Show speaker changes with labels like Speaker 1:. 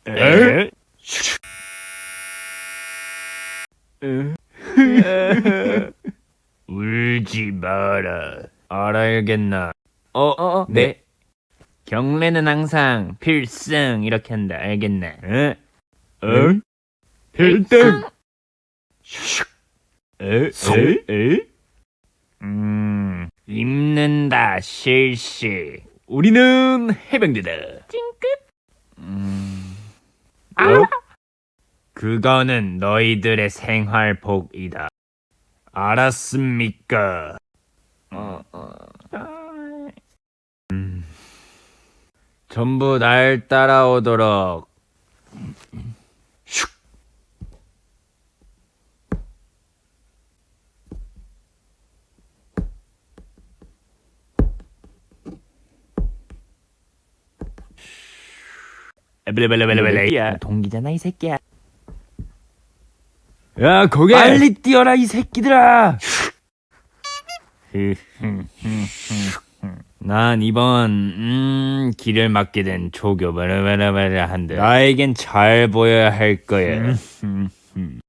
Speaker 1: 에? 울지 마라. 알아야겠나? 네. 경례는 항상 필승 이렇게 한다. 알겠나? 필승. 입는다 실시. 우리는 해병대다. 찡끗. 그거는 너희들의 생활복이다. 알았습니까? 전부 날 따라오도록. 야, 동기잖아 이 새끼야. 야, 거기 빨리 뛰어라 이 새끼들아. 난 이번 길을 막게 된 조교 한데 나에겐 잘 보여야 할 거야.